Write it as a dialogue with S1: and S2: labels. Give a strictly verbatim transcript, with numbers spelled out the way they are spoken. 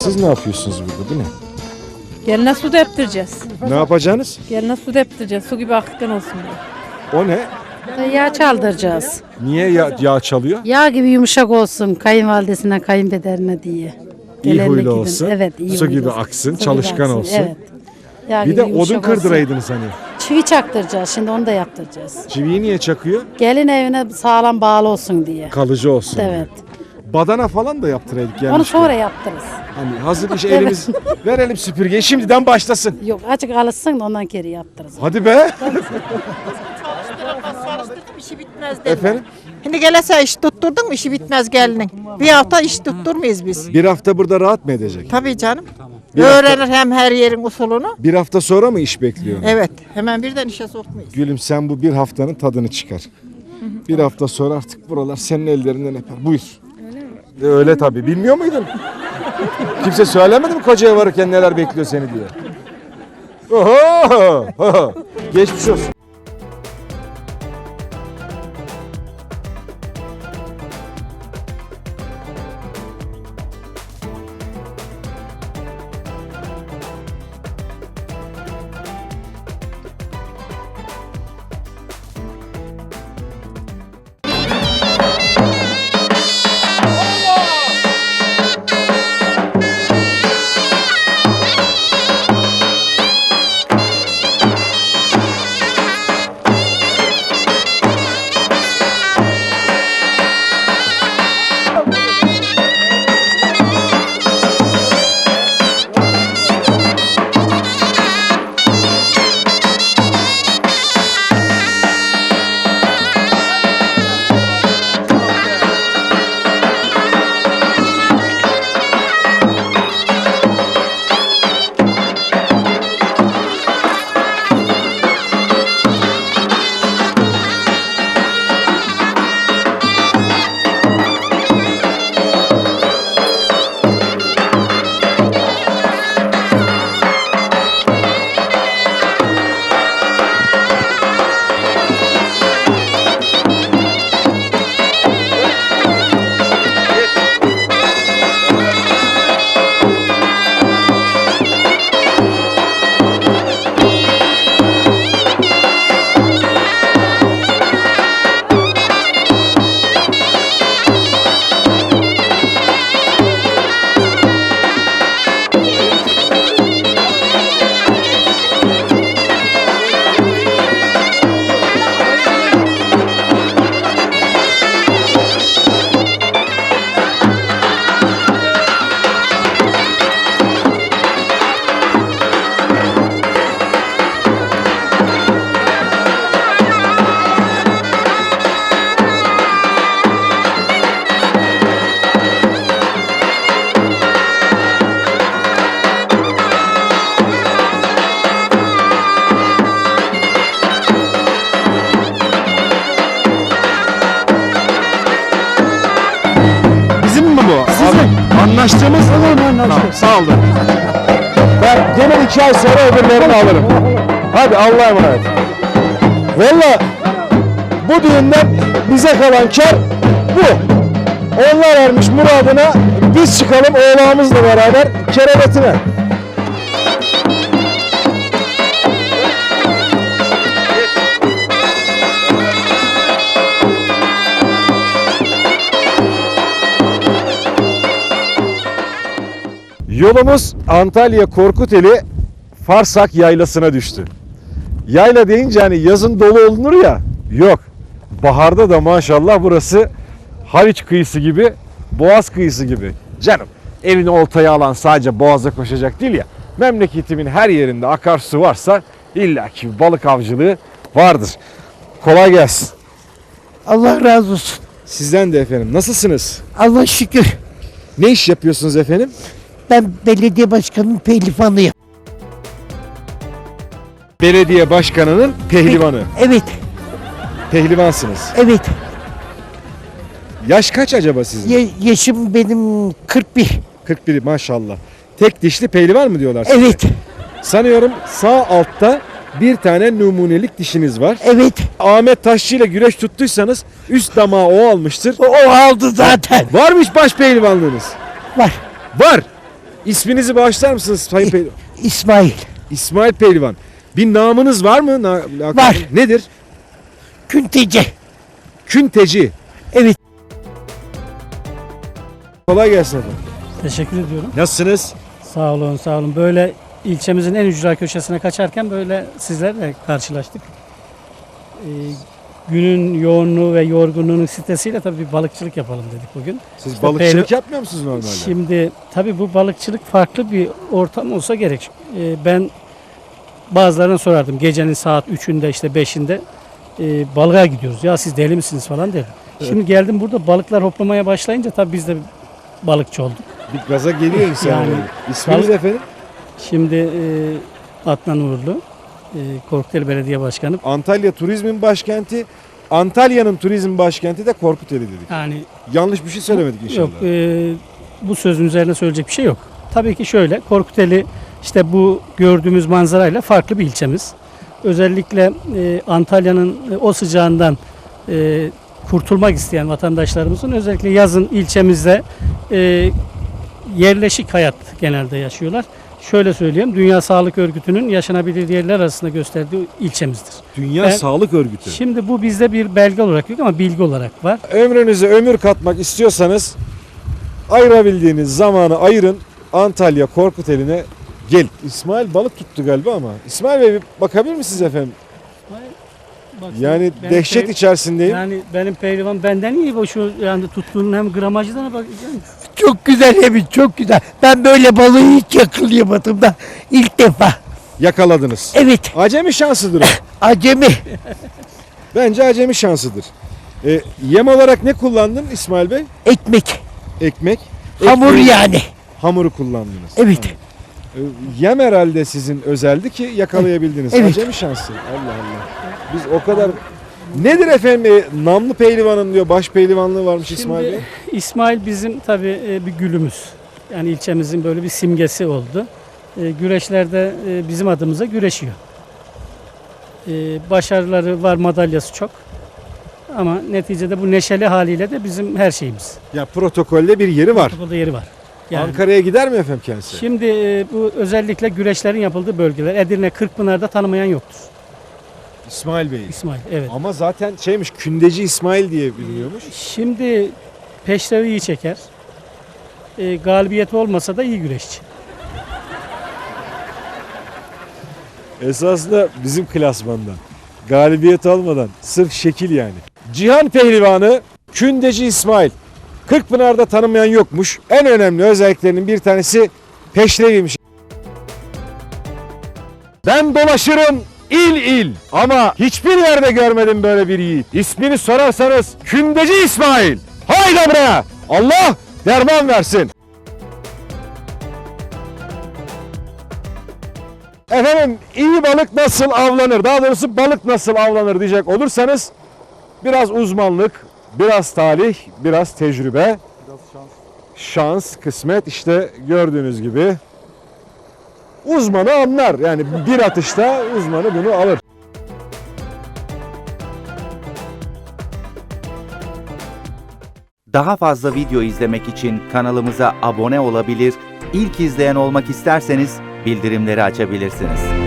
S1: Siz ne yapıyorsunuz burada? Bu ne?
S2: Geline su deptireceğiz.
S1: Ne yapacaksınız?
S2: Geline su deptireceğiz. Su gibi akıktan olsun diye.
S1: O ne?
S3: Yağ çaldıracağız.
S1: Niye yağ, yağ çalıyor?
S3: Yağ gibi yumuşak olsun kayınvalidesine, kayınpederine diye.
S1: İyi
S3: Gelenlik
S1: huylu
S3: gibi.
S1: olsun.
S3: Evet, iyi
S1: Su
S3: huylu
S1: gibi
S3: olsun.
S1: aksın,
S3: Su gibi
S1: çalışkan
S3: aksın,
S1: olsun.
S3: Evet. Yağ
S1: Bir
S3: gibi
S1: de odun
S3: yumuşak olsun.
S1: kırdıraydınız hani.
S3: Çivi çaktıracağız, şimdi onu da yaptıracağız.
S1: Çiviyi niye çakıyor?
S3: Gelin evine sağlam bağlı olsun diye.
S1: Kalıcı olsun.
S3: Evet.
S1: Badana falan da yaptıraydık
S3: Onu
S1: gelmişken.
S3: sonra yaptırırız.
S1: Hani hazır iş elimiz verelim süpürgeyi şimdiden başlasın.
S3: Yok, açık alışsın da ondan geri yaptırırız.
S1: Hadi be.
S4: İşi bitmez deme.
S1: Efendim?
S4: Şimdi gelese iş tutturdun mu işi bitmez gelinin. Bir hafta iş tutturmayız biz.
S1: Bir hafta burada rahat mı edecek?
S4: Tabii canım.
S1: Bir
S4: Öğrenir hem her yerin usulünü.
S1: Bir hafta sonra mı iş bekliyor?
S4: Evet. Hemen birden işe sokmayız.
S1: Gülüm sen bu bir haftanın tadını çıkar. Bir hafta sonra artık buralar senin ellerinden öper. Buyur. Öyle mi? Öyle tabii. Bilmiyor muydun? Kimse söylemedi mi kocaya varırken neler bekliyor seni diye? Oho! Oho! Geçmiş olsun. Anlaştığımız tamam, sağ olun. Ben gene iki ay sonra öbürlerini alırım. Hadi Allah'a emanet. Valla bu düğünden bize kalan kar bu. Onlar ermiş muradına, biz çıkalım oğlağımızla beraber kerevetine. Yolumuz Antalya Korkuteli Farsak Yaylası'na düştü. Yayla deyince hani yazın dolu olunur ya, yok. Baharda da maşallah burası Haliç kıyısı gibi, Boğaz kıyısı gibi. Canım elini oltaya alan sadece Boğaz'a koşacak değil ya. Memleketimin her yerinde akarsu varsa illaki balık avcılığı vardır. Kolay gelsin.
S5: Allah razı olsun.
S1: Sizden de efendim. Nasılsınız?
S5: Allah şükür.
S1: Ne iş yapıyorsunuz efendim?
S5: Ben belediye başkanının pehlivanıyım.
S1: Belediye başkanının pehlivanı.
S5: Evet,
S1: Pehlivansınız.
S5: evet.
S1: Yaş kaç acaba sizin?
S5: Ya- yaşım benim kırk bir.
S1: kırk bir maşallah. Tek dişli pehlivan mı diyorlar size?
S5: Evet,
S1: Sanıyorum sağ altta bir tane numunelik dişiniz var.
S5: evet.
S1: Ahmet Taşçı ile güreş tuttuysanız üst damağı o almıştır.
S5: O, o aldı zaten.
S1: Varmış baş pehlivanlığınız.
S5: Var.
S1: Var. İsminizi bağışlar mısınız Sayın Pehlivan?
S5: İsmail.
S1: İsmail Pehlivan. Bir namınız var mı? Na- lakabı?
S5: Var.
S1: Nedir?
S5: Künteci.
S1: Künteci.
S5: Evet.
S1: Kolay gelsin efendim.
S6: Teşekkür ediyorum.
S1: Nasılsınız?
S6: Sağ olun, sağ olun. Böyle ilçemizin en ücra köşesine kaçarken böyle sizlerle karşılaştık. Ee, günün yoğunluğu ve yorgunluğunun stresiyle tabii bir balıkçılık yapalım dedik bugün.
S1: Siz
S6: İşte
S1: balıkçılık
S6: Pehli-
S1: yapmıyor musunuz normalde?
S6: Şimdi tabii bu balıkçılık farklı bir ortam olsa gerek. Ee, ben bazılarına sorardım gecenin saat üçünde işte beşinde e, balığa gidiyoruz. Ya siz deli misiniz falan der. Şimdi geldim burada balıklar hoplamaya başlayınca tabii biz de balıkçı olduk.
S1: Bir gaza geliyor insan.
S6: Yani-
S1: Yani. İsminiz
S6: Balık-
S1: efendim?
S6: Şimdi e, Adnan Uğurlu, e, Korkuteli Belediye Başkanı.
S1: Antalya turizmin başkenti. Antalya'nın turizm başkenti de Korkuteli dedik.
S6: Yani
S1: Yanlış bir şey söylemedik inşallah.
S6: yok, e, bu sözün üzerine söyleyecek bir şey yok. Tabii ki şöyle, Korkuteli işte bu gördüğümüz manzarayla farklı bir ilçemiz. Özellikle e, Antalya'nın e, o sıcağından e, kurtulmak isteyen vatandaşlarımızın özellikle yazın ilçemizde e, yerleşik hayat genelde yaşıyorlar. Şöyle söyleyeyim, Dünya Sağlık Örgütü'nün yaşanabilir yerler arasında gösterdiği ilçemizdir.
S1: Dünya
S6: Ben-
S1: Sağlık Örgütü.
S6: Şimdi bu bizde bir belge olarak yok ama bilgi olarak var.
S1: Ömrünüze ömür katmak istiyorsanız ayırabildiğiniz zamanı ayırın. Antalya Korkuteli'ne gel. İsmail balık tuttu galiba ama. İsmail Bey bir bakabilir misiniz efendim? Yani
S6: Benim
S1: dehşet
S6: pehlivan-
S1: içerisindeyim.
S6: Yani benim pehlivan benden iyi bu şu yani tuttuğunun hem gramajına bak. Yani
S5: Çok güzel Emin, çok güzel. Ben böyle balığı hiç yakalayamadım da ilk defa.
S1: Yakaladınız.
S5: Evet,
S1: Acemi şansıdır o.
S5: acemi.
S1: Bence acemi şansıdır. E, yem olarak ne kullandın İsmail Bey?
S5: Ekmek,
S1: Ekmek.
S5: hamur
S1: Ekmeği-
S5: yani.
S1: Hamuru kullandınız.
S5: Evet.
S1: E, Yem herhalde sizin özeldi ki yakalayabildiniz.
S5: Evet.
S1: Acemi şansı. Allah Allah. Biz o kadar... Nedir efendim e, namlı pehlivanın diyor baş pehlivanlığı varmış İsmail Bey.
S6: Şimdi İsmail bizim tabii e, bir gülümüz. Yani ilçemizin böyle bir simgesi oldu. E, Güreşlerde e, bizim adımıza güreşiyor. E, Başarıları var, madalyası çok. Ama neticede bu neşeli haliyle de bizim her şeyimiz.
S1: Ya protokolde bir yeri var.
S6: Burada yeri var. Yani
S1: Ankara'ya gider mi efendim kendisi?
S6: şimdi e, bu özellikle güreşlerin yapıldığı bölgeler Edirne, Kırkpınar'da tanımayan yoktur.
S1: İsmail Bey.
S6: İsmail, evet.
S1: Ama zaten şeymiş Kündeci İsmail diye biliniyormuş.
S6: Şimdi peşrevi iyi çeker. E, galibiyeti olmasa da iyi güreşçi.
S1: Esasında bizim klasmanda. Galibiyet almadan sırf şekil yani. Cihan Pehlivanı Kündeci İsmail. Kırkpınar'da tanımayan yokmuş. En önemli özelliklerinin bir tanesi peşreviymiş. Ben dolaşırım il il ama hiçbir yerde görmedim böyle bir yiğit. İsmini sorarsanız Kündeci İsmail. Haydi buraya. Allah derman versin. Efendim iyi balık nasıl avlanır? Daha doğrusu balık nasıl avlanır diyecek olursanız biraz uzmanlık, biraz talih, biraz tecrübe. Biraz şans. Şans, kısmet işte gördüğünüz gibi. Uzmanı anlar. Yani bir atışta uzmanı bunu alır.
S7: Daha fazla video izlemek için kanalımıza abone olabilir, ilk izleyen olmak isterseniz bildirimleri açabilirsiniz.